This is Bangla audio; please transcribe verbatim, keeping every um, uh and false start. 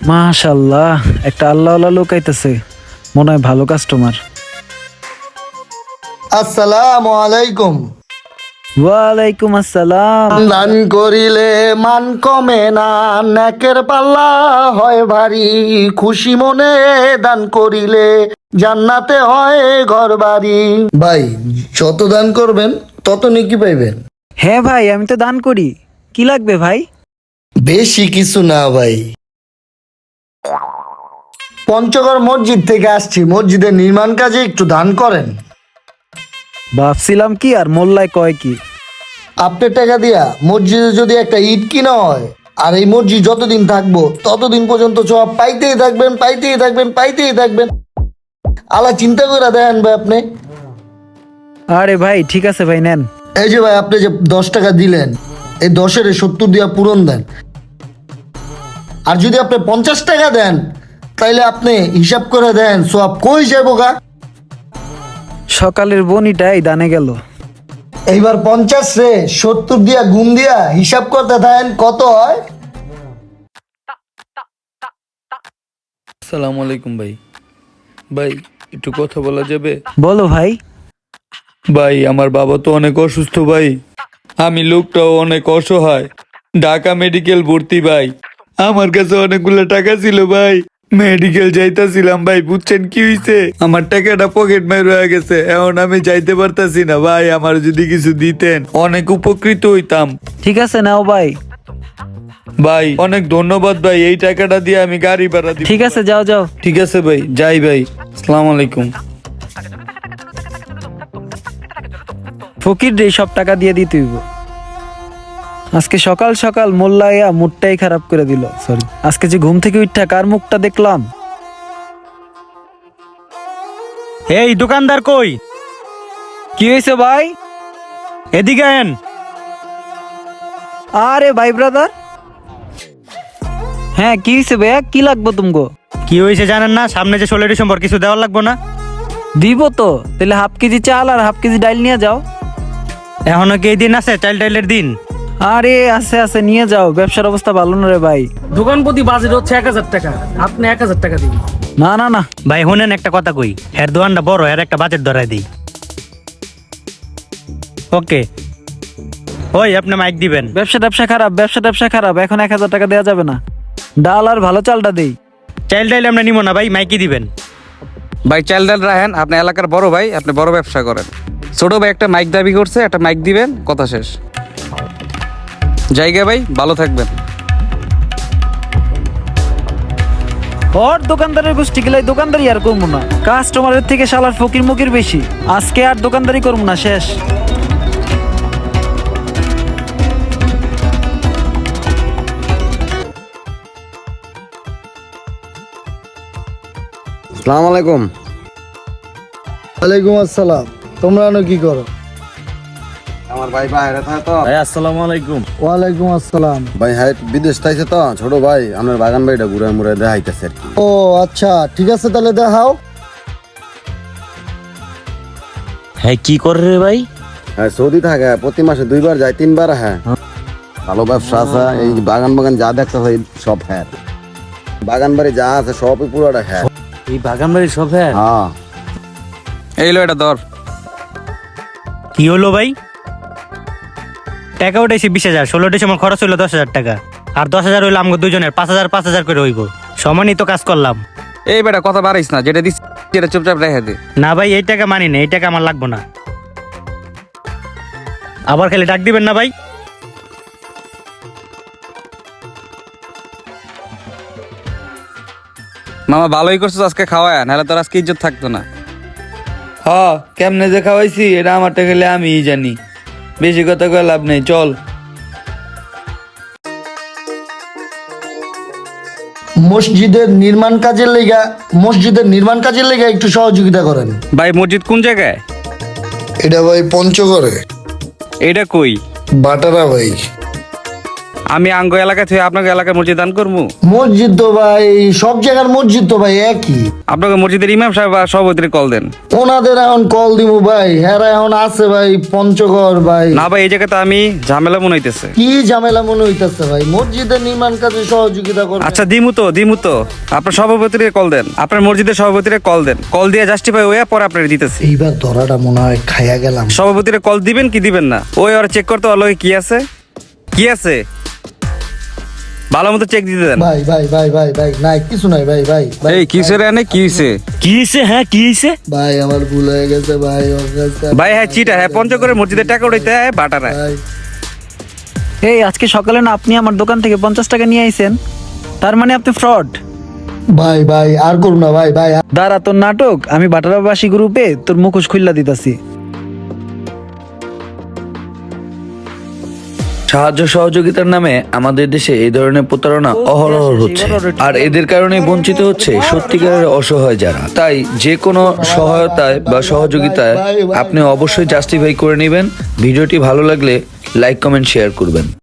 মাশাআল্লাহ, একটা আল্লাহওয়ালা লোক আইতেছে, মনে হয় ভালো কাস্টমার। আসসালামু আলাইকুম। ওয়ালাইকুম আসসালাম। দান করিলে মান কমে না, নেকের পাল্লা হয় ভারী। খুশি মনে দান করিলে জান্নাতে হয় ঘর বাড়ি। ভাই, যত দান করবেন তত নেকি পাইবেন। হ্যাঁ ভাই, আমি তো দান করি। কি লাগবে ভাই? বেশি কিছু না ভাই, পঞ্চগড় মসজিদ থেকে আসছি, মসজিদের নির্মাণ কাজে একটু দান করেন। ভাবছিলাম কি আর মোল্লায় কয় কি। আপনার টাকা দিয়া মসজিদে যদি একটা ইট কিনা হয়, আর এই মসজিদ যতদিন থাকবো ততদিন পর্যন্ত সব পাইতেই থাকবেন, পাইতেই থাকবেন, পাইতেই থাকবেন। আলা চিন্তা করে দেন ভাই আপনি। আরে ভাই ঠিক আছে ভাই, নেন। এই যে ভাই, আপনি যে দশ টাকা দিলেন, এই দশের সত্তর দিয়া পূরণ দেন। আর যদি আপনি পঞ্চাশ টাকা দেন, তাইলে আপনি হিসাব করে দেন সব কই যাবো গা। সকালের বনিটাই দানে গেল। এইবার পঞ্চাশ রে সত্তর দিয়া গুণ দিয়া হিসাব করতে থাকেন কত হয়। আসসালামু আলাইকুম ভাই। ভাই একটু কথা বলা যাবে? বলো ভাই। ভাই আমার বাবা তো অনেক অসুস্থ ভাই, আমি লোকটাও অনেক অসহায়, ঢাকা মেডিকেল ভর্তি ভাই। আমার কাছে অনেকগুলো টাকা ছিল ভাই, মেডিকেল যাইতাছিলাম ভাই, বুঝছেন কি হইছে, আমার টাকাটা পকেট মার হয়ে গেছে, এখন আমি যাইতে পারতাছি না ভাই। আমার যদি কিছু দিতেন অনেক উপকৃত হইতাম। ঠিক আছে, নাও ভাই। ভাই অনেক ধন্যবাদ ভাই, এই টাকাটা দিয়ে আমি গাড়ি ভাড়া দিব। ঠিক আছে, যাও যাও। ঠিক আছে ভাই, যাই ভাই। আসসালামু আলাইকুম। ফকির রে সব টাকা দিয়ে দিতে হইব। আজকে সকাল সকাল মোল্লাইয়া মুডটাই খারাপ করে দিল। সরি, আজকে যে ঘুম থেকে উঠা কার মুখটা দেখলাম। এই দোকানদার কই? কি হয়েছে ভাই? এদিকে আয়েন। আরে ভাই ব্রাদার। হ্যাঁ কি হয়েছে ভাইয়া, কি লাগবে তুমগো? কি হয়েছে জানেন না? সামনে যে ষোলো ডিসেম্বর, কিছু দেওয়ার লাগবো না? দিব তো, তাহলে হাফ কেজি চাল আর হাফ কেজি ডাইল নিয়ে যাও। এখনো কি এই দিন আছে, চাইল্ড টাইলের দিন? আরে আছে আছে, নিয়ে যাও, ব্যবসার অবস্থা ভালো না রে ভাই। দোকান প্রতি বাজেট হচ্ছে এক হাজার টাকা, আপনি এক হাজার টাকা দিন। না না না ভাই শুনেন একটা কথা কই, এর দোকানটা বড়, এর একটা বাজেট ধরাই দিই। ওকে, ওই আপনি মাইক দিবেন। ব্যবসা ব্যবসা খারাপ, ব্যবসা ব্যবসা খারাপ, এখন এক হাজার টাকা দেওয়া যাবে না। ডাল আর ভালো চালটা দেই। চাইল্ড টাইল আমরা নিব না ভাই, মাইকই দিবেন। ভাই চাল ডাল রাখেন, আপনি এলাকার বড় ভাই, আপনি বড় ব্যবসা করেন। ছোট ভাই একটা মাইক দাবি করছে, একটা মাইক দিবেন, কথা শেষ। জায়গা ভাই, ভালো থাকবেন। ওর দোকানদারের গোষ্ঠী গেলাই দোকানদারি আর করবো না, কাস্টমারের থেকে শালার ফকির মুকির বেশি। আজকে আর দোকানদারি করবো না, শেষ। আসসালামু আলাইকুম। ওয়ালাইকুম আসসালাম। তোমরা আনো কি করো? আমার ভাই বাইরে থাকে তো। ভাই আসসালামু আলাইকুম। ওয়ালাইকুম আসসালাম। ভাই হ্যাঁ বিদেশ থাইছে তো, ছোট ভাই আপনার বাগান বাড়িটা ঘুরে মুড়ে দেখাইতেছে আর কি। ও আচ্ছা, ঠিক আছে তাহলে দেখাও। হ্যাঁ কি করে রে ভাই? হ্যাঁ সৌদি থাকে, প্রতি মাসে দুইবার যায়, তিনবার। হ্যাঁ ভালো ব্যবসা আছে, এই বাগান বাগান যা দেখতে হয় সব হ্যাঁ, বাগান বাড়ি যা আছে সবই পুরোটা হ্যাঁ। এই বাগান বাড়ি সব হ্যাঁ? হ্যাঁ এই লো এটা ধর। কি হলো ভাই? টাকা উঠেছি বিশ হাজার, ষোলো ডিসেম্বর খরচ হইলো দশ হাজার টাকা, আর দশ হাজার হইলো আমাকে দুজনের, পাঁচ হাজার পাঁচ হাজার করে হইব। সমানই তো কাজ করলাম। এই বেটা কথা বাড়াইস না, যেটা দিচ্ছি সেটা চুপচাপ রেখে দে। না ভাই এই টাকা মানি না, এই টাকা আমার লাগবো না। আবার খালি ডাক দিবেন না ভাই। মামা ভালোই করছিস আজকে খাওয়ায়, নাহলে তোর আজকে ইজ্জত থাকতো না। হ, কেমনে যে খাওয়াইছি এটা আমারটা খেলে আমিই জানি, বেশি কথা কয়ে লাভ নেই, চল। মসজিদের নির্মাণ কাজের লেগা মসজিদের নির্মাণ কাজের লেগা একটু সহযোগিতা করেন। ভাই মসজিদ কোন জায়গায়? এটা ভাই পঞ্চগড়ে, এটা কই? বাটারা ভাই। আমি আঙ্গ এলাকায় থেকে আপনাকে এলাকায় মসজিদ দান করবো? মসজিদ তো ভাই সব জায়গার মসজিদ তো ভাই একই। আপনাকে মসজিদের ইমাম সাহেব বা সভাপতির কল দেন। ওনাদের এখন কল দিব ভাই, হ্যাঁ এখন আছে ভাই পঞ্চগড় ভাই। না ভাই, এই জায়গাতে আমি ঝামেলা মনে হইতেছে। কি ঝামেলা মনে হইতাছে ভাই? মসজিদের নির্মাণ কাজে সহযোগিতা করবে। আচ্ছা দিমু তো দিমু তো আপনার সভাপতির কল দেন, আপনার মসজিদের সভাপতির কল দেন, কল দিয়ে জাস্টিফাই হয়ে পরে আপনার দিতেছি। এইবার ধরাটা মনে হয় খাইয়া গেলাম। সভাপতির কল দিবেন কি দিবেন না? ওই ওরা চেক করতে ওর লগে কি আছে কি আছে ভালো মতো চেক দিতে দেন। ভাই ভাই ভাই ভাই ভাই নাই কিছু নাই ভাই ভাই ভাই এই কিসের এনে কি হইছে? কি হইছে? হ্যাঁ কি হইছে? ভাই আমার ভুল হয়ে গেছে ভাই, ওর কাছে ভাই হ্যাঁ চিটা, হ্যাঁ পঞ্চগড়ের মসজিদের টাকা উঠাইতে হ্যাঁ বাটারা। ভাই এই আজকে সকালে না আপনি আমার দোকান থেকে পঞ্চাশ টাকা নিয়ে আইছেন, তার মানে আপনি ফ্রড। ভাই ভাই আর করুন না ভাই ভাই। দাঁড়া তোর নাটক, আমি বাটারাবাসী গ্রুপে তোর মুখোশ খুল্লা দিতাছি। সাহায্য সহযোগিতার নামে আমাদের দেশে এই ধরনের প্রতারণা অহরহ হচ্ছে, আর এদের কারণে বঞ্চিত হচ্ছে সত্যিকারের অসহায় যারা। তাই যে কোনো সহায়তায় বা সহযোগিতায় আপনি অবশ্যই জাস্টিফাই করে নেবেন। ভিডিওটি ভালো লাগলে লাইক কমেন্ট শেয়ার করবেন।